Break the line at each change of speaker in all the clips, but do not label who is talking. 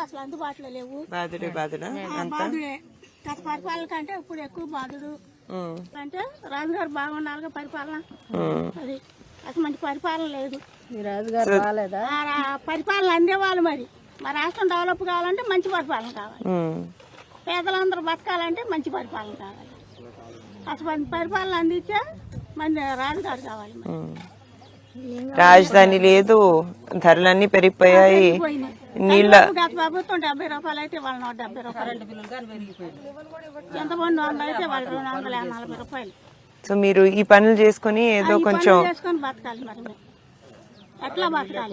అసలు అందుబాటులో లేవు.
బాధుడే
బాధుడే గత పరిపాలన కంటే ఇప్పుడు ఎక్కువ బాధుడు. అంటే రాజుగారు బాగుండాలిగా పరిపాలన. అది అసలు మంచి పరిపాలన లేదు. పరిపాలన అందేవాళ్ళు. మరి మా రాష్ట్రం డెవలప్ కావాలంటే మంచి పరిపాలన కావాలి. పేదలందరూ బతకాలంటే మంచి పరిపాలన కావాలి. అసలు మంచి పరిపాలన అందించే మంచి రాజుగారు కావాలి.
రాజధాని లేదు, ధరలన్నీ పెరిగిపోయాయి. నీళ్ళ
గత ప్రభుత్వం 70 రూపాయలు అయితే వాళ్ళు 170 రూపాయలు, ఎంతమంది 100 అయితే వాళ్ళు 240 రూపాయలు.
సో మీరు ఈ పనులు చేసుకుని ఏదో కొంచెం
చేసుకొని బతకాలి. మరి ఎట్లా బతకాలి?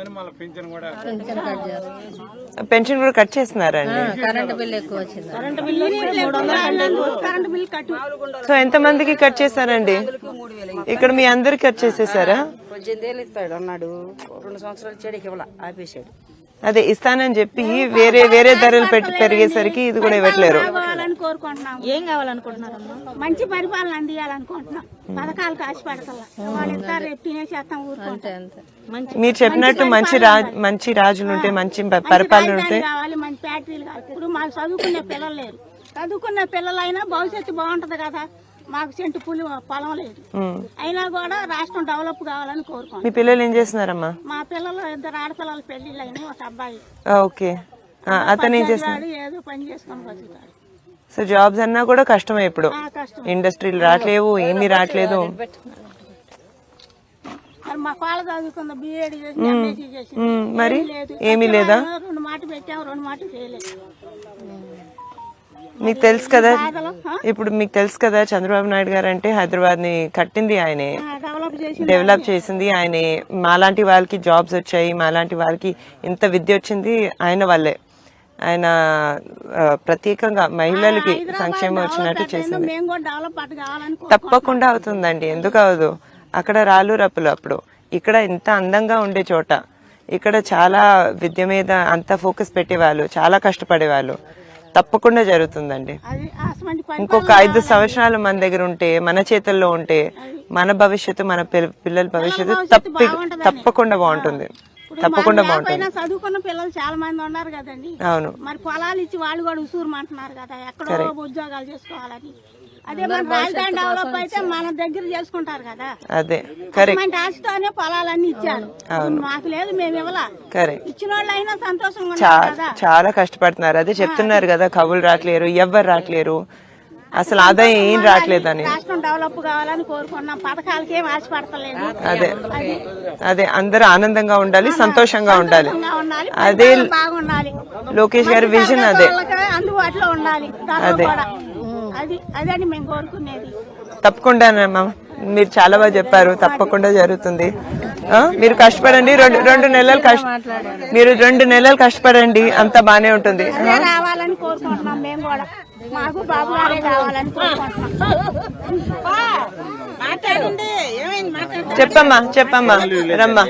పెన్షన్ కూడా కట్ చేస్తున్నారండి.
కరెంటు బిల్లు ఎక్కువ వచ్చింది.
కరెంటు బిల్లు కట్టు.
సో ఎంత మందికి కట్ చేస్తారండి? ఇక్కడ మీ అందరికి కట్ చేసేసారా?
18 ఏళ్ళు ఇస్తాడు అన్నాడు, 2 సంవత్సరాలు చెడికి ఇవ్వాల ఆపేసాడు.
అదే ఇస్తానని చెప్పి వేరే వేరే ధరలు పెరిగేసరికి ఇది కూడా ఇవ్వట్లేరు.
ఏం కావాలనుకుంటున్నారు? మంచి పరిపాలన అందియాలనుకుంటున్నాం. పథకాలు కాసి పెడతల్లా వాళ్ళు ఇస్తారు, రేపు తినేసేస్తాం ఊరుకుంటాం.
మీరు చెప్పినట్టు మంచి రాజులు ఉంటే, మంచి పరిపాలన ఉంటే
కావాలి. మంచి ఫ్యాక్టరీలు కావాలి. ఇప్పుడు మాకు చదువుకునే పిల్లలు లేరు. చదువుకున్న పిల్లలైనా భవిష్యత్తు బాగుంటది కదా. మాకు సెంటు పొలం లేదు, అయినా కూడా రాష్ట్రం డెవలప్ కావాలని కోరుకుంటాం.
మీ పిల్లలు ఏం చేస్తున్నారమ్మా?
మా పిల్లలు 2 ఆడపిల్లల పెళ్లిళ్ళు అయినాయి. ఒక అబ్బాయి
ఓకే, అతను ఏం చేస్తున్నాడు?
ఏదో పని చేసుకొని బతుకుతాడు.
సో జాబ్స్ అన్నా కూడా కష్టమే ఇప్పుడు. ఇండస్ట్రీలు రావట్లేవు, ఏమీ రావట్లేదు.
మా కాళ్ళ చదువుకుంద బిఏడి చేసి ఎంఎస్సీ చేసి
మరి ఏమీ లేదా?
2 మాటలు పెట్టాము, 2 మాటలు చేయలేదు.
మీకు తెలుసు కదా, ఇప్పుడు మీకు తెలుసు కదా చంద్రబాబు నాయుడు గారు అంటే హైదరాబాద్ ని కట్టింది ఆయనే, డెవలప్ చేసింది ఆయనే. మాలాంటి వాళ్ళకి జాబ్స్ వచ్చాయి, మాలాంటి వాళ్ళకి ఇంత విద్య వచ్చింది ఆయన వల్లే. ఆయన ప్రత్యేకంగా మహిళలకి సంక్షేమం వచ్చినట్టు చేసింది. తప్పకుండా అవుతుందండి, ఎందుకు అవదు? అక్కడ రాళ్ళు రప్పులు అప్పుడు, ఇక్కడ ఇంత అందంగా ఉండే చోట, ఇక్కడ చాలా విద్య మీద అంత ఫోకస్ పెట్టేవాళ్ళు, చాలా కష్టపడేవాళ్ళు. తప్పకుండా జరుగుతుందండి. ఇంకొక 5 సంవత్సరాలు మన దగ్గర ఉంటే, మన చేతుల్లో ఉంటే, మన భవిష్యత్తు, మన పిల్లల భవిష్యత్తు తప్పకుండా బాగుంటుంది. తప్పకుండా బాగుంటుంది.
చదువుకున్న పిల్లలు చాలా మంది ఉన్నారు కదండి.
అవును,
మరి పొలాలు ఇచ్చి వాళ్ళు కూడా ఉసూరుమంటున్నారు కదా, ఎక్కడో ఉద్యోగాలు చేసుకోవాలని. అదే మన రాజధాని డెవలప్ అయితే మన దగ్గర చేసుకుంటారు కదా.
అదే కరెక్ట్.
ఆశతోనే పొలాలన్నీ ఇచ్చారు, మాకు లేదు, మేము ఇవ్వలా.
కరెక్ట్.
ఇచ్చిన వాళ్ళు అయినా సంతోషంగా
చాలా కష్టపడుతున్నారు. అదే చెప్తున్నారు కదా, కవులు రావట్లేరు, ఎవ్వరు రావట్లేరు, అసలు ఆదాయం ఏం రావట్లేదని.
రాష్ట్రం డెవలప్ కావాలని కోరుకున్నాం, పథకాలకి ఏం ఆశపడతలేదు.
అదే అదే అందరూ ఆనందంగా ఉండాలి, సంతోషంగా ఉండాలి. అదే
బాగుండాలి.
లోకేష్ గారి విజన్ అదే.
అందుబాటులో ఉండాలి.
అదే
అదే మేము కోరుకునేది.
తప్పకుండానమ్మా, మీరు చాలా బాగా చెప్పారు. తప్పకుండా జరుగుతుంది. మీరు కష్టపడండి, 2 నెలలు మీరు 2 నెలలు కష్టపడండి, అంతా బానే ఉంటుంది.
రావాలని కోరుకుంటున్నాం మేము కూడా. మాకు బాబు గారే కావాలని కోరుకుంటున్నాం.
చెప్పమ్మా రమ్మా.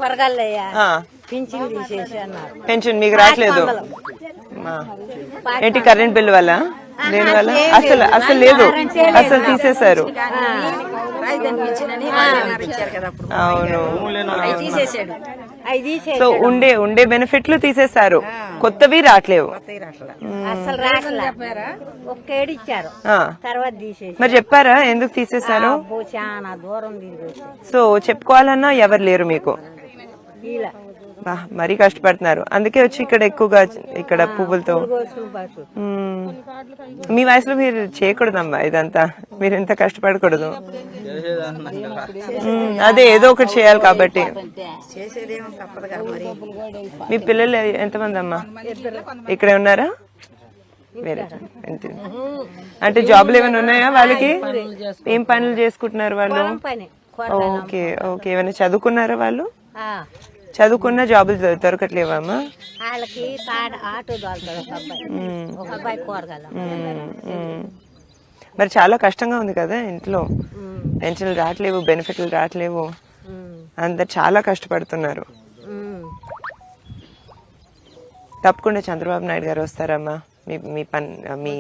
పెన్షన్ మీకు రావట్లేదు ఏంటి? కరెంట్ బిల్ వల్ల, దేని వల్ల? అసలు లేదు, అసలు తీసేశారు. అవును, సో ఉండే బెనిఫిట్లు తీసేశారు, కొత్తవి రావట్లేవు. మరి చెప్పారా ఎందుకు తీసేశారు? సో చెప్పుకోవాలన్నా ఎవరు లేరు మీకు. మరీ కష్టపడుతున్నారు, అందుకే వచ్చి ఇక్కడ ఎక్కువగా ఇక్కడ పువ్వులతో. మీ వయసులో మీరు చేయకూడదమ్మా ఇదంతా, మీరు ఎంత కష్టపడకూడదు. అదే ఏదో ఒకటి చేయాలి కాబట్టి. మీ పిల్లలు ఎంతమంది అమ్మా? ఇక్కడే ఉన్నారా? వేరే అంటే జాబ్లు ఏమైనా ఉన్నాయా వాళ్ళకి? ఏం పనులు చేసుకుంటున్నారు వాళ్ళు? ఓకే ఓకే, ఏమైనా చదువుకున్నారా వాళ్ళు? చదువుకున్న జాబులు దొరకట్లేవమ్మా? మరి చాలా కష్టంగా ఉంది కదా ఇంట్లో, పెన్షన్లు రావట్లేవు, బెనిఫిట్లు రావట్లేవు, అందరు చాలా కష్టపడుతున్నారు. తప్పకుండా చంద్రబాబు నాయుడు గారు వస్తారమ్మా మీ